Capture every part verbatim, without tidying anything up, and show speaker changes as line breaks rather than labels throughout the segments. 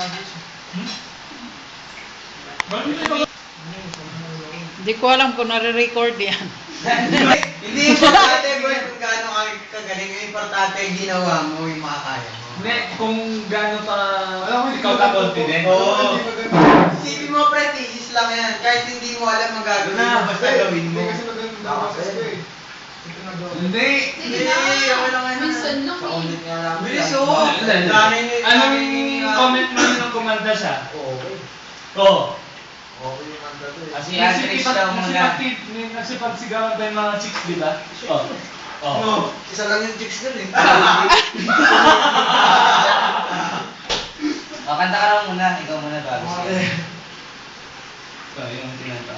Hindi ko alam kung nare-record yan.
Hindi importante boy kung gaano ka kagaling. Yung importante yung ginawa mo, yung makakaya mo.
Hindi, kung gaano pa ikaw ka confident.
Oo. Isipin mo, pre, thesis lang yan. Kahit hindi mo alam ang gagawin mo, basta gawin mo.
Hindi.
Hindi, okay lang yan.
Minsan lang
Sa
eh.
ulit nga lang.
Bilis,
Oo.
oo.
Dami-
Anong
dami-
comment mo nung kumanta siya?
Okay.
Oo.
Okay yung kanta to eh.
Kasi Andres daw muna.
Nagsipagsigawan pa yung mga chicks, di ba? Oo. Oo.
No, isa lang yung chicks dun eh.
O, kanta ka lang muna. Ikaw muna bago siya.
Ito, yung tinata.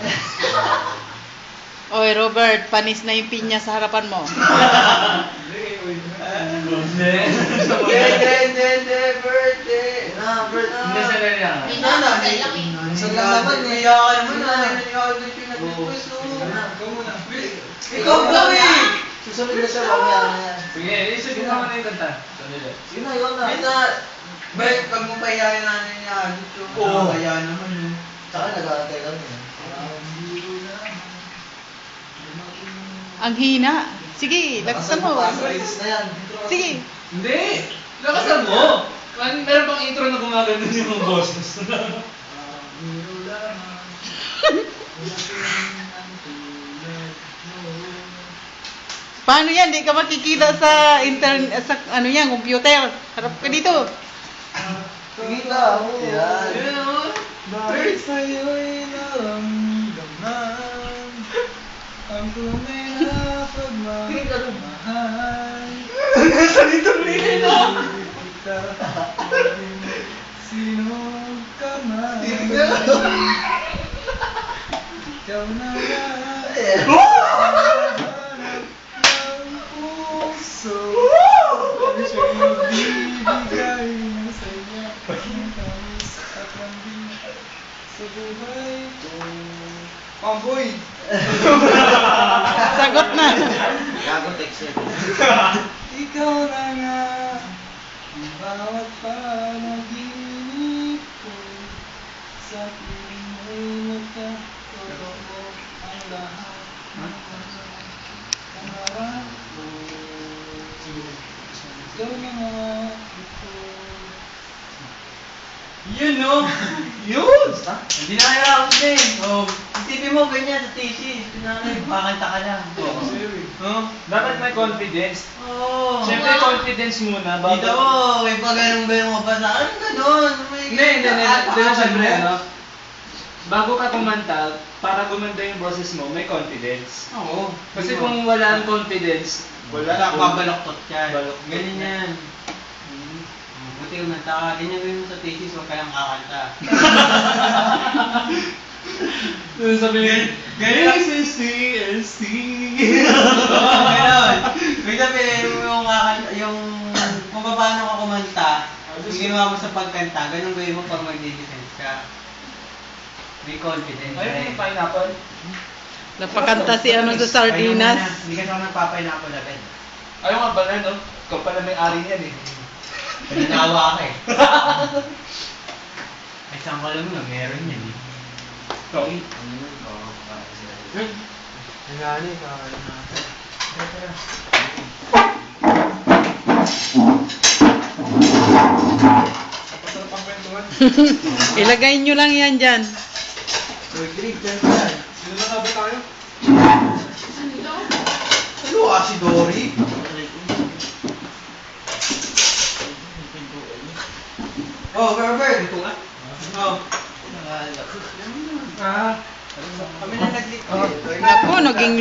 Oy, Robert, panis na yung pinya sa harapan mo.
Hindi.
Hindi, hindi, hindi, hindi, birthday. Na, birthday.
Hindi sa rin yan.
May
Ano,
nakasal lang eh.
Isa lang naman eh. Kaya ka naman na. Kaya ka naman yung nag-request mo.
Ikaw muna.
Ikaw daw eh.
Susunod na siya, mamaya na yan.
Sige, isipin mo na yung kanta. Sandali.
Yun na, yun na.
Basta, Bert, pag mo pahiyain natin niya, dito.
Oo.
Kaya naman yun.
Tsaka nag-aantay lang yun.
Ang hina. Sige, lakasan mo.
Release na yan.
Sige.
Hindi! Lakasan mo! Man, meron bang intro na gumagano yung boses?
Paano yan? Di ka makikita sa internet, sa ano yan, computer. Harap ka dito.
Sige ka, oo.
Yan.
Yun, oh.
Bakit sa'yo'y naramdaman ang tunay na pagmamahal?
Salito rin, no?
Sino ka man? Ikaw na lang hanap ng puso. Ang siya'y magbibigay ng saya, ng tamis at lambing sa buhay ko. Pamboy!
Sagot na.
Gago text yun.
Ikaw na nga ang bawat panaginip ko. Sa piling mo'y nagkatotoo ang lahat ng mga pangarap ko. Ikaw na nga ito.
Yun, no? Yun!
Hindi na kaya ako din. Oh, isipin mo ganyan sa thesis. Pinanay, makakanta ka lang.
No? Dapat may confidence.
Oo.
Siyempre, confidence muna.
Dito mo, may pa ganun-ganun ka pa sa ano ganun? May
Hindi, hindi, hindi.
Ah,
Hindi na
ah,
siyempre,
ano?
ano? Bago ka kumanta, para gumanda yung boses mo, may confidence.
Oo.
Kasi kung wala ang confidence,
wala na, babaloktot yan.
Baloktot.
Ganyan yan. Hmm. Buti kumanta ka, ganyan gawin mo sa thesis, huwag ka lang kakanta.
sabihin,
Ganyan.
S C S C.
Oo, ganun. May sabihin mo yung kakanta, yung kung paano ka kumanta, yung ginawa mo sa pagkanta, ganun gawin mo pag mag-defense ka. May confidence.
Ayun yung pineapple.
Napakanta si ano sa sardinas.
Hindi ka naman nagpapay-pineapple agad.
Ayaw nga pala, no? Ikaw pala may ari niyan, eh.
Pinanawa ka eh. Ay, saan ka lang na, meron yan eh.
Ikaw.
Nagani, kakain natin. Tara,
Ilagay nyo lang yan dyan.
Rodrigue, dyan dyan.
Sino na nga ba tayo?
Ano daw?
Ano ka si Dory? Oh, Herbert! Ito nga? Oh.
Ah.
Kami na nag-lick.
Naku, naging